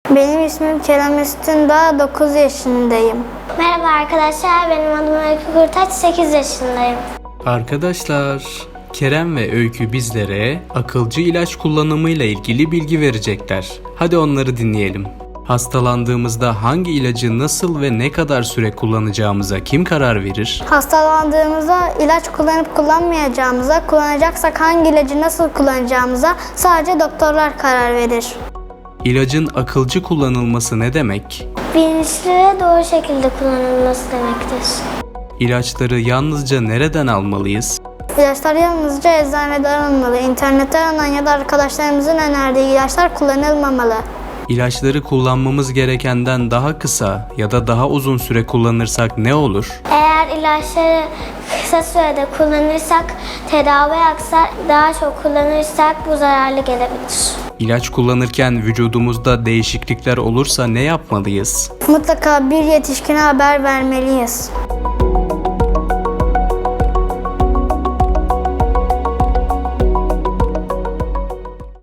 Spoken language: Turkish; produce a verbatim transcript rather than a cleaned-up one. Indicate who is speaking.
Speaker 1: Benim ismim Kerem Üstündağ, dokuz yaşındayım.
Speaker 2: Merhaba arkadaşlar, benim adım Öykü Kurtaç, sekiz yaşındayım.
Speaker 3: Arkadaşlar, Kerem ve Öykü bizlere akılcı ilaç kullanımıyla ilgili bilgi verecekler. Hadi onları dinleyelim. Hastalandığımızda hangi ilacı nasıl ve ne kadar süre kullanacağımıza kim karar verir?
Speaker 1: Hastalandığımızda ilaç kullanıp kullanmayacağımıza, kullanacaksak hangi ilacı nasıl kullanacağımıza sadece doktorlar karar verir.
Speaker 3: İlacın akılcı kullanılması ne demek?
Speaker 2: Bilinçli ve doğru şekilde kullanılması demektir.
Speaker 3: İlaçları yalnızca nereden almalıyız?
Speaker 1: İlaçlar yalnızca eczaneden alınmalı. İnternetten alınan ya da arkadaşlarımızın önerdiği ilaçlar kullanılmamalı.
Speaker 3: İlaçları kullanmamız gerekenden daha kısa ya da daha uzun süre kullanırsak ne olur?
Speaker 2: Eğer ilaçları kısa sürede kullanırsak tedavi aksar, daha çok kullanırsak bu zararlı gelebilir.
Speaker 3: İlaç kullanırken vücudumuzda değişiklikler olursa ne yapmalıyız?
Speaker 1: Mutlaka bir yetişkine haber vermeliyiz.